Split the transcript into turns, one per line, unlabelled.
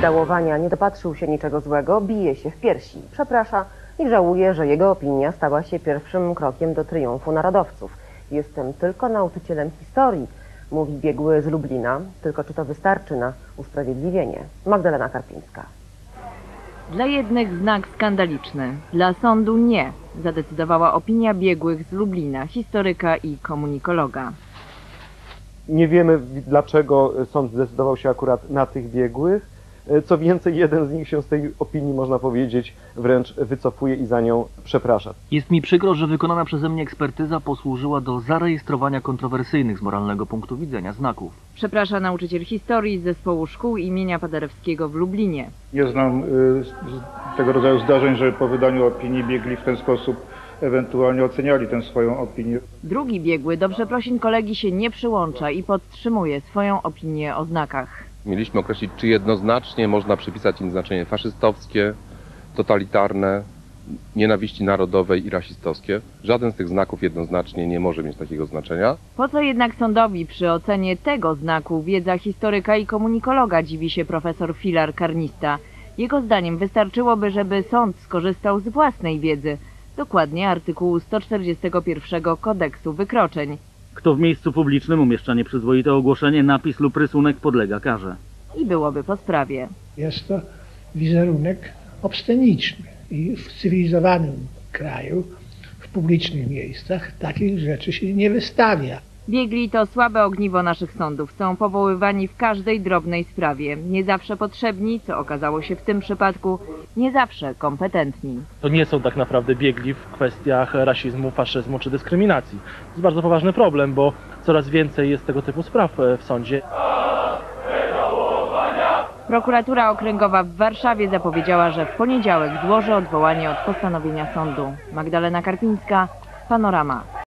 wydałowania nie dopatrzył się niczego złego, bije się w piersi, przeprasza i żałuje, że jego opinia stała się pierwszym krokiem do triumfu narodowców. Jestem tylko nauczycielem historii, mówi biegły z Lublina, tylko czy to wystarczy na usprawiedliwienie? Magdalena Karpińska.
Dla jednych znak skandaliczny, dla sądu nie, zadecydowała opinia biegłych z Lublina, historyka i komunikologa.
Nie wiemy, dlaczego sąd zdecydował się akurat na tych biegłych. Co więcej, jeden z nich się z tej opinii, można powiedzieć, wręcz wycofuje i za nią przeprasza.
Jest mi przykro, że wykonana przeze mnie ekspertyza posłużyła do zarejestrowania kontrowersyjnych z moralnego punktu widzenia znaków.
Przeprasza nauczyciel historii z zespołu szkół imienia Paderewskiego w Lublinie.
Nie znam tego rodzaju zdarzeń, że po wydaniu opinii biegli w ten sposób ewentualnie oceniali tę swoją opinię.
Drugi biegły do przeprosin kolegi się nie przyłącza i podtrzymuje swoją opinię o znakach.
Mieliśmy określić, czy jednoznacznie można przypisać im znaczenie faszystowskie, totalitarne, nienawiści narodowej i rasistowskie. Żaden z tych znaków jednoznacznie nie może mieć takiego znaczenia.
Po co jednak sądowi przy ocenie tego znaku wiedza historyka i komunikologa, dziwi się profesor Filar-Karnista. Jego zdaniem wystarczyłoby, żeby sąd skorzystał z własnej wiedzy, dokładnie artykułu 141 Kodeksu Wykroczeń.
Kto w miejscu publicznym umieszcza nieprzyzwoite ogłoszenie, napis lub rysunek podlega karze.
I byłoby po sprawie.
Jest to wizerunek obsceniczny i w cywilizowanym kraju, w publicznych miejscach takich rzeczy się nie wystawia.
Biegli to słabe ogniwo naszych sądów. Są powoływani w każdej drobnej sprawie. Nie zawsze potrzebni, co okazało się w tym przypadku, nie zawsze kompetentni.
To nie są tak naprawdę biegli w kwestiach rasizmu, faszyzmu czy dyskryminacji. To jest bardzo poważny problem, bo coraz więcej jest tego typu spraw w sądzie.
Prokuratura Okręgowa w Warszawie zapowiedziała, że w poniedziałek złoży odwołanie od postanowienia sądu. Magdalena Karpińska, Panorama.